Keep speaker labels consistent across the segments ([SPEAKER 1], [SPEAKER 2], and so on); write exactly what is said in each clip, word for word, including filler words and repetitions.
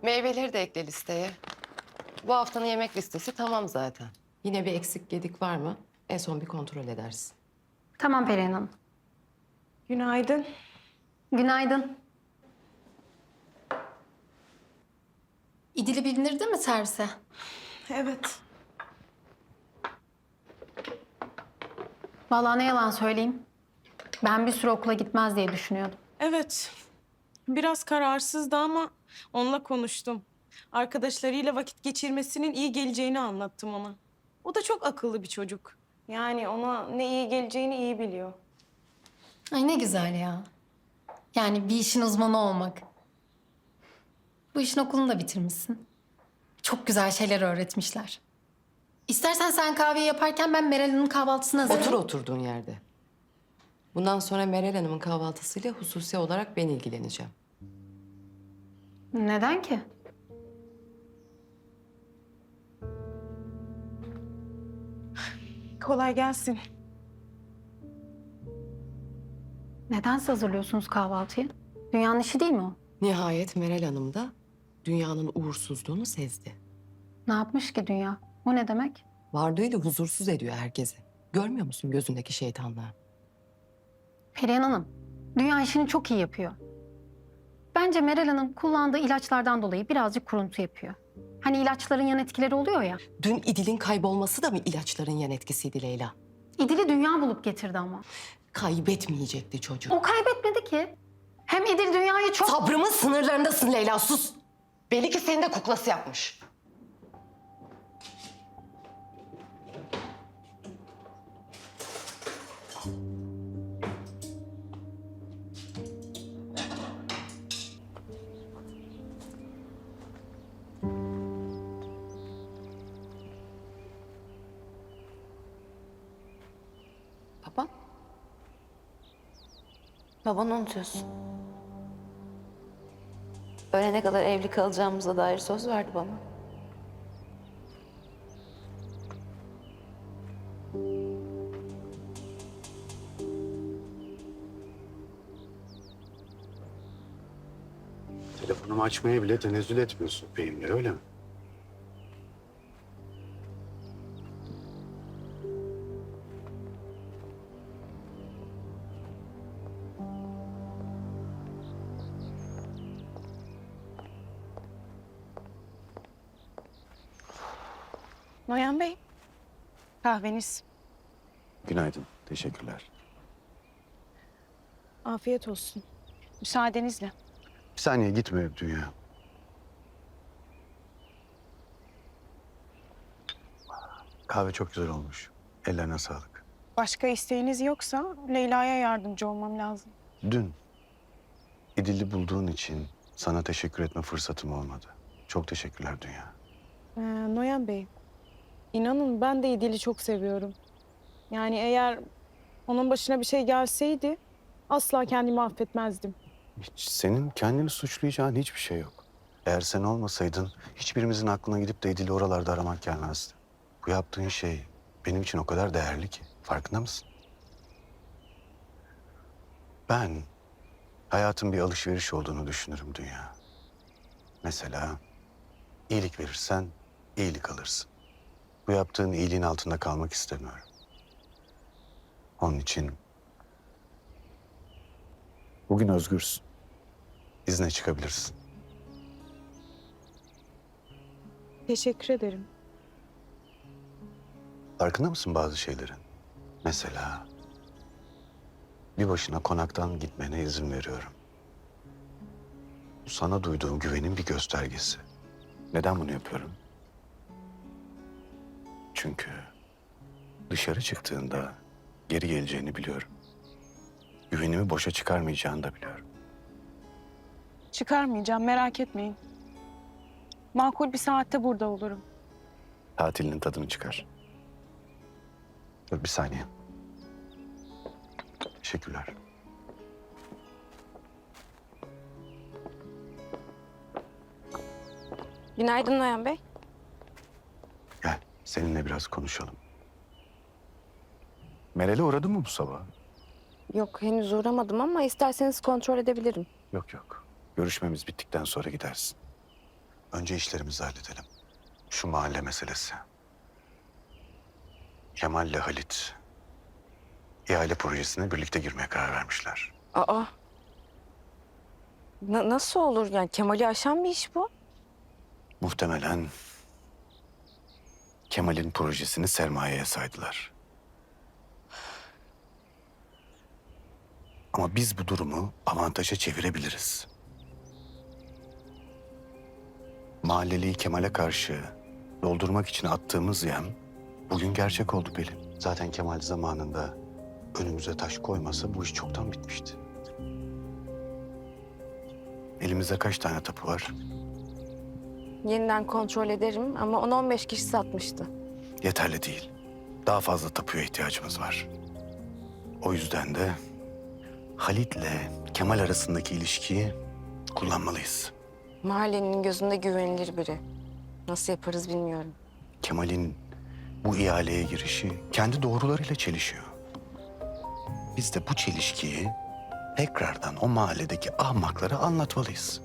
[SPEAKER 1] Meyveleri de ekle listeye. Bu haftanın yemek listesi tamam zaten. Yine bir eksik gedik var mı? En son bir kontrol edersin.
[SPEAKER 2] Tamam Perihan Hanım.
[SPEAKER 3] Günaydın.
[SPEAKER 2] Günaydın.
[SPEAKER 4] İdil'i bindirdi mi servise?
[SPEAKER 3] Evet.
[SPEAKER 2] Vallahi ne yalan söyleyeyim. Ben bir süre okula gitmez diye düşünüyordum.
[SPEAKER 3] Evet. Biraz kararsızdı ama onunla konuştum. Arkadaşlarıyla vakit geçirmesinin iyi geleceğini anlattım ona. O da çok akıllı bir çocuk. Yani ona ne iyi geleceğini iyi biliyor.
[SPEAKER 4] Ay ne güzel ya. Yani bir işin uzmanı olmak. Bu işin okulunu da bitirmişsin. Çok güzel şeyler öğretmişler. İstersen sen kahveyi yaparken ben Meral Hanım'ın kahvaltısını hazırlayayım.
[SPEAKER 1] Otur oturduğun yerde. Bundan sonra Meral Hanım'ın kahvaltısıyla hususi olarak ben ilgileneceğim.
[SPEAKER 2] Neden ki?
[SPEAKER 3] Kolay gelsin.
[SPEAKER 2] Neden hazırlıyorsunuz kahvaltıyı? Dünyanın işi değil mi o?
[SPEAKER 1] Nihayet Meral Hanım da dünyanın uğursuzluğunu sezdi.
[SPEAKER 2] Ne yapmış ki dünya? O ne demek?
[SPEAKER 1] Vardığıyla huzursuz ediyor herkesi. Görmüyor musun gözündeki şeytanlığı?
[SPEAKER 2] Perihan Hanım, dünya işini çok iyi yapıyor. Bence Meral Hanım kullandığı ilaçlardan dolayı birazcık kuruntu yapıyor. Hani ilaçların yan etkileri oluyor ya.
[SPEAKER 1] Dün İdil'in kaybolması da mı ilaçların yan etkisiydi Leyla?
[SPEAKER 2] İdil'i dünya bulup getirdi ama.
[SPEAKER 1] Kaybetmeyecekti çocuk.
[SPEAKER 2] O kaybetmedi ki. Hem İdil dünyayı çok...
[SPEAKER 1] Sabrımın sınırlarındasın Leyla, sus. Belli ki seni de kuklası yapmış. Baba.
[SPEAKER 5] Babanı unutuyorsun. Ölene kadar evli kalacağımıza dair söz verdi bana.
[SPEAKER 6] Telefonumu açmaya bile tenezzül etmiyorsun benimle, öyle mi?
[SPEAKER 3] Noyan Bey, kahveniz.
[SPEAKER 6] Günaydın, teşekkürler.
[SPEAKER 3] Afiyet olsun. Müsaadenizle.
[SPEAKER 6] Bir saniye gitme Dünya. Kahve çok güzel olmuş. Ellerine sağlık.
[SPEAKER 3] Başka isteğiniz yoksa Leyla'ya yardımcı olmam lazım.
[SPEAKER 6] Dün İdil'i bulduğun için sana teşekkür etme fırsatım olmadı. Çok teşekkürler Dünya.
[SPEAKER 3] Ee, Noyan Bey, inanın ben de İdil'i çok seviyorum. Yani eğer onun başına bir şey gelseydi asla kendimi affetmezdim.
[SPEAKER 6] Hiç senin kendini suçlayacağın hiçbir şey yok. Eğer sen olmasaydın hiçbirimizin aklına gidip de İdil'i oralarda aramak gelmezdi. Bu yaptığın şey benim için o kadar değerli ki. Farkında mısın? Ben hayatın bir alışveriş olduğunu düşünürüm Dünya. Mesela iyilik verirsen iyilik alırsın. Bu yaptığın iyiliğin altında kalmak istemiyorum. Onun için bugün özgürsün. İzne çıkabilirsin.
[SPEAKER 3] Teşekkür ederim.
[SPEAKER 6] Farkında mısın bazı şeylerin? Mesela bir başına konaktan gitmene izin veriyorum. Bu sana duyduğum güvenin bir göstergesi. Neden bunu yapıyorum? Çünkü dışarı çıktığında geri geleceğini biliyorum. Güvenimi boşa çıkarmayacağını da biliyorum.
[SPEAKER 3] Çıkarmayacağım, merak etmeyin. Makul bir saatte burada olurum.
[SPEAKER 6] Tatilinin tadını çıkar. Dur bir saniye. Teşekkürler.
[SPEAKER 5] Günaydın Noyan Bey.
[SPEAKER 6] Gel seninle biraz konuşalım. Meral'e uğradın mı bu sabah?
[SPEAKER 5] Yok henüz uğramadım ama isterseniz kontrol edebilirim.
[SPEAKER 6] Yok yok. Görüşmemiz bittikten sonra gidersin. Önce işlerimizi halledelim. Şu mahalle meselesi. Kemal'le Halit ihale projesine birlikte girmeye karar vermişler.
[SPEAKER 7] Aa. Na- nasıl olur yani? Kemal'i aşan bir iş bu.
[SPEAKER 6] Muhtemelen Kemal'in projesini sermayeye saydılar. Ama biz bu durumu avantaja çevirebiliriz. Mahalleliyi Kemal'e karşı doldurmak için attığımız yem bugün gerçek oldu Pelin. Zaten Kemal zamanında önümüze taş koymasa bu iş çoktan bitmişti. Elimizde kaç tane tapu var?
[SPEAKER 7] Yeniden kontrol ederim ama on on beş kişi satmıştı.
[SPEAKER 6] Yeterli değil. Daha fazla tapuya ihtiyacımız var. O yüzden de Halit'le Kemal arasındaki ilişkiyi kullanmalıyız.
[SPEAKER 7] Mahallenin gözünde güvenilir biri. Nasıl yaparız bilmiyorum.
[SPEAKER 6] Kemal'in bu ihaleye girişi kendi doğrularıyla çelişiyor. Biz de bu çelişkiyi tekrardan o mahalledeki ahmaklara anlatmalıyız.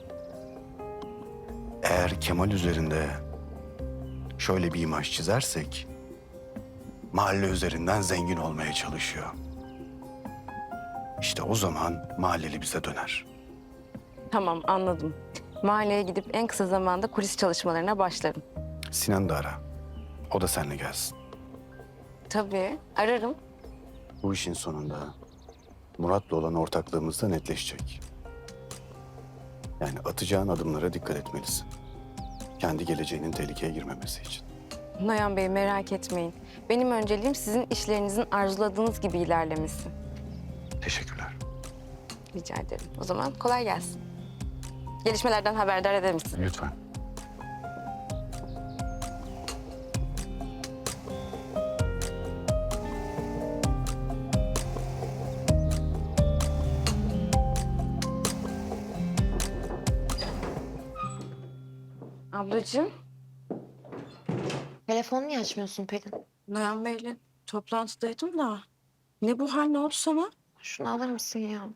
[SPEAKER 6] Eğer Kemal üzerinde şöyle bir imaj çizersek, mahalle üzerinden zengin olmaya çalışıyor. İşte o zaman mahalleli bize döner.
[SPEAKER 7] Tamam, anladım. Mahalleye gidip en kısa zamanda kulis çalışmalarına başlarım.
[SPEAKER 6] Sinan da ara. O da seninle gelsin.
[SPEAKER 7] Tabii, ararım.
[SPEAKER 6] Bu işin sonunda Murat'la olan ortaklığımız da netleşecek. Yani atacağın adımlara dikkat etmelisin. Kendi geleceğinin tehlikeye girmemesi için.
[SPEAKER 7] Noyan Bey merak etmeyin. Benim önceliğim sizin işlerinizin arzuladığınız gibi ilerlemesi.
[SPEAKER 6] Teşekkürler.
[SPEAKER 7] Rica ederim. O zaman kolay gelsin. Gelişmelerden haberdar ederim sizi.
[SPEAKER 6] Lütfen.
[SPEAKER 7] Ablacığım,
[SPEAKER 5] Telefonu niye açmıyorsun Pelin?
[SPEAKER 7] Noyan Bey'le toplantıdaydım da. Ne bu hal, ne oldu sana?
[SPEAKER 5] Şunu alır mısın ya?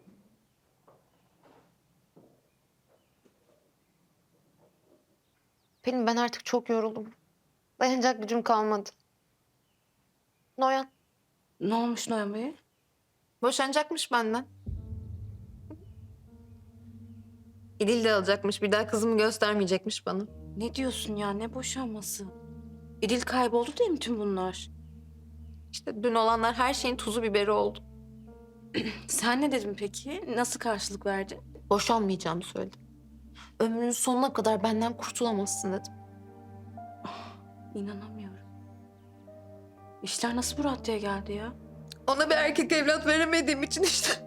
[SPEAKER 5] Pelin ben artık çok yoruldum. Dayanacak gücüm kalmadı. Noyan
[SPEAKER 7] Ne olmuş Noyan Bey'e?
[SPEAKER 5] boşanacakmış benden. İdil de alacakmış. Bir daha kızımı göstermeyecekmiş bana.
[SPEAKER 7] Ne diyorsun ya, ne boşanması? İdil kayboldu diye mi tüm bunlar?
[SPEAKER 5] İşte dün olanlar her şeyin tuzu biberi oldu.
[SPEAKER 7] Sen ne dedin peki? Nasıl karşılık verdin?
[SPEAKER 5] Boşanmayacağımı söyledim. Ömrünün sonuna kadar benden kurtulamazsın dedim.
[SPEAKER 7] İnanamıyorum. İşler nasıl bu raddeye geldi ya?
[SPEAKER 5] Ona bir erkek evlat veremediğim için işte.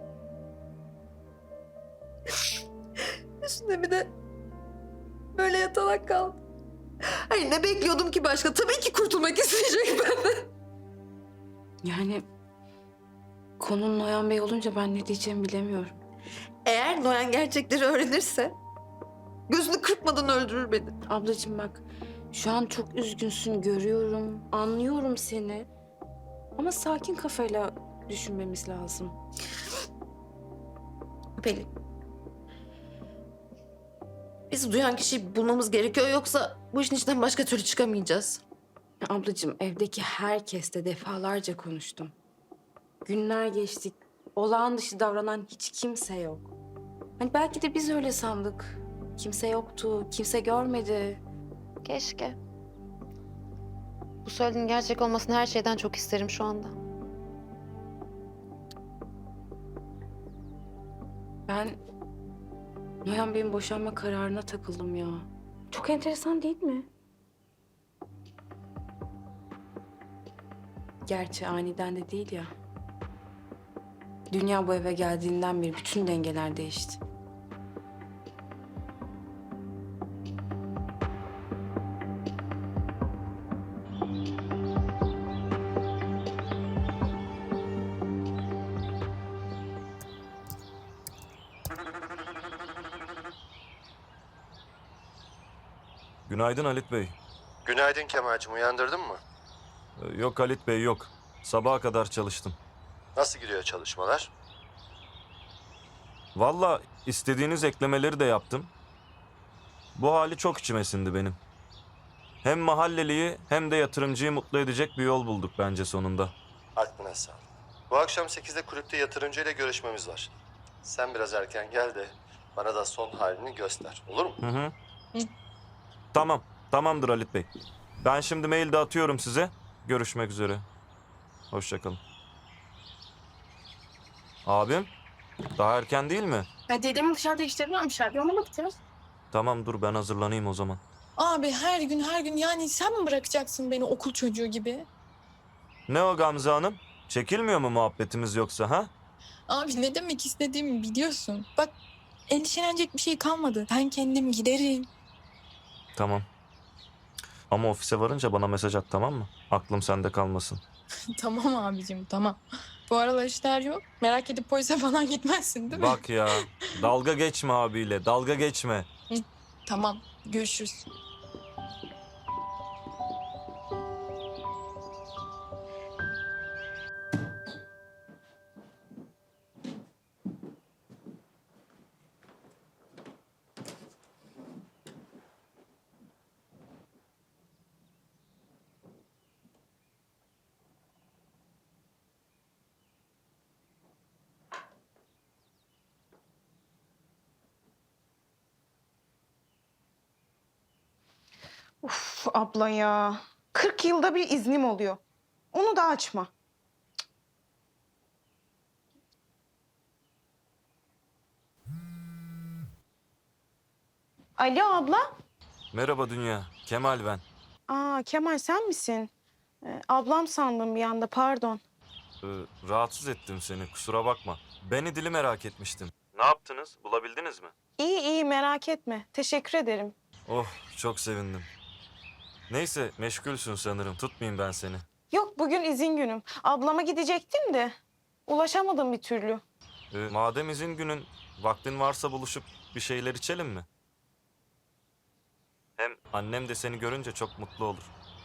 [SPEAKER 5] Üstüne bir de böyle yatalak kaldım. Hayır ne bekliyordum ki başka? Tabii ki kurtulmak isteyecek benden.
[SPEAKER 7] Yani konun Noyan Bey olunca ben ne diyeceğimi bilemiyorum.
[SPEAKER 5] Eğer Noyan gerçekleri öğrenirse gözünü kırpmadan öldürür beni.
[SPEAKER 7] Ablacığım bak, şu an çok üzgünsün, görüyorum, anlıyorum seni. Ama sakin kafayla düşünmemiz lazım.
[SPEAKER 5] Pelin. Biz duyan kişiyi bulmamız gerekiyor yoksa bu işin içinden başka türlü çıkamayacağız.
[SPEAKER 7] Ablacığım, evdeki herkesle defalarca konuştum. Günler geçtik. Olağan dışı davranan hiç kimse yok. Hani belki de biz öyle sandık. Kimse yoktu, kimse görmedi.
[SPEAKER 5] Keşke. Bu söylediğin gerçek olmasını her şeyden çok isterim şu anda.
[SPEAKER 7] Ben Noyan Bey'in boşanma kararına takıldım ya. Çok enteresan değil mi? Gerçi aniden de değil ya. Dünya bu eve geldiğinden beri bütün dengeler değişti.
[SPEAKER 8] Günaydın Halit Bey.
[SPEAKER 9] Günaydın Kemal'cim, uyandırdın mı?
[SPEAKER 8] Ee, Yok Halit Bey yok. Sabaha kadar çalıştım.
[SPEAKER 9] Nasıl gidiyor çalışmalar?
[SPEAKER 8] Vallahi istediğiniz eklemeleri de yaptım. Bu hali çok içime sindi benim. Hem mahalleliyi hem de yatırımcıyı mutlu edecek bir yol bulduk bence sonunda.
[SPEAKER 9] Aklına sağlık. Bu akşam sekizde kulüpte yatırımcıyla görüşmemiz var. Sen biraz erken gel de bana da son halini göster. Olur mu?
[SPEAKER 8] Hı hı. Tamam, tamamdır Halit Bey. Ben şimdi mail de atıyorum size. Görüşmek üzere. Hoşça kalın. Abim, daha erken değil mi?
[SPEAKER 10] Ya dedemi dışarıda işlemiyormuş abi. Ona mı bakacağız?
[SPEAKER 8] Tamam dur ben hazırlanayım o zaman.
[SPEAKER 10] Abi her gün her gün yani sen mi bırakacaksın beni okul çocuğu gibi?
[SPEAKER 8] Ne o Gamze Hanım? Çekilmiyor mu muhabbetimiz yoksa ha?
[SPEAKER 10] Abi ne demek istediğimi biliyorsun. Bak endişelenecek bir şey kalmadı. Ben kendim giderim.
[SPEAKER 8] Tamam. Ama ofise varınca bana mesaj at tamam mı? Aklım sende kalmasın.
[SPEAKER 10] Tamam abicim tamam. Bu aralar işler yok. Merak edip polise falan gitmezsin değil mi?
[SPEAKER 8] Bak ya, dalga geçme abiyle, dalga geçme.
[SPEAKER 10] Tamam görüşürüz.
[SPEAKER 3] Uf abla ya. kırk yılda bir iznim oluyor. Onu da açma. Alo abla.
[SPEAKER 8] Merhaba Dünya, Kemal ben.
[SPEAKER 3] Aa Kemal sen misin? Ee, ablam sandım bir anda pardon.
[SPEAKER 8] Ee, rahatsız ettim seni, kusura bakma. Beni dili merak etmiştim. Ne yaptınız, bulabildiniz mi?
[SPEAKER 3] İyi iyi merak etme. Teşekkür ederim.
[SPEAKER 8] Oh, çok sevindim. Neyse, meşgulsün sanırım, tutmayayım ben seni.
[SPEAKER 3] Yok bugün izin günüm. Ablama gidecektim de ulaşamadım bir türlü.
[SPEAKER 8] Ee, madem izin günün, vaktin varsa buluşup bir şeyler içelim mi? Hem annem de seni görünce çok mutlu olur.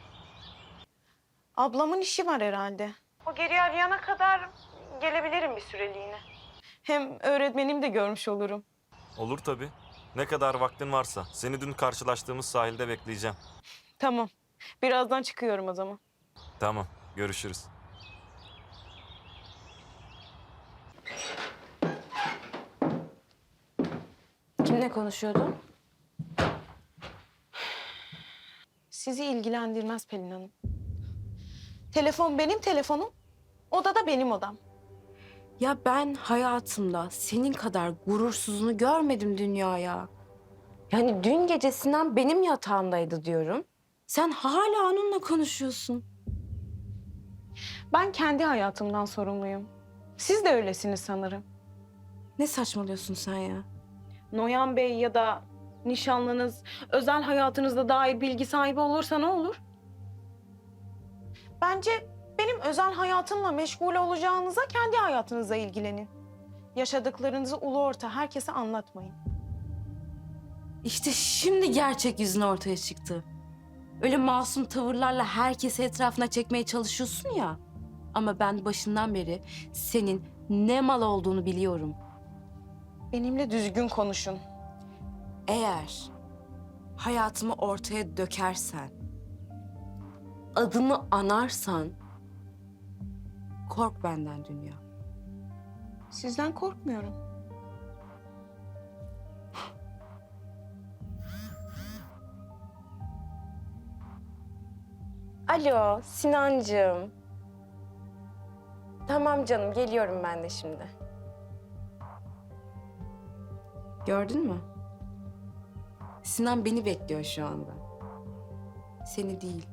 [SPEAKER 3] Ablamın işi var herhalde. O geri arayana kadar gelebilirim bir süreliğine. Hem öğretmenimi de görmüş olurum.
[SPEAKER 8] Olur tabii. Ne kadar vaktin varsa. Seni dün karşılaştığımız sahilde bekleyeceğim.
[SPEAKER 3] Tamam. Birazdan çıkıyorum o zaman.
[SPEAKER 8] Tamam, görüşürüz.
[SPEAKER 7] Kimle konuşuyordun?
[SPEAKER 3] Sizi ilgilendirmez Pelin Hanım. Telefon benim telefonum, oda da benim odam.
[SPEAKER 7] Ya ben hayatımda senin kadar gurursuzunu görmedim dünyaya. Yani dün gece Sinan benim yatağımdaydı diyorum. Sen hala onunla konuşuyorsun.
[SPEAKER 3] Ben kendi hayatımdan sorumluyum. Siz de öylesiniz sanırım.
[SPEAKER 7] Ne saçmalıyorsun sen ya?
[SPEAKER 3] Noyan Bey ya da nişanlınız özel hayatınızda dair bilgi sahibi olursa ne olur? Bence benim özel hayatımla meşgul olacağınıza kendi hayatınızla ilgilenin. Yaşadıklarınızı ulu orta herkese anlatmayın.
[SPEAKER 7] İşte şimdi gerçek yüzün ortaya çıktı. Öyle masum tavırlarla herkesi etrafına çekmeye çalışıyorsun ya. Ama ben başından beri senin ne mal olduğunu biliyorum.
[SPEAKER 3] Benimle düzgün konuşun.
[SPEAKER 7] Eğer hayatımı ortaya dökersen, adımı anarsan kork benden dünya.
[SPEAKER 3] Sizden korkmuyorum.
[SPEAKER 7] Alo Sinancığım. Tamam canım geliyorum ben de şimdi. Gördün mü? Sinan beni bekliyor şu anda. Seni değil.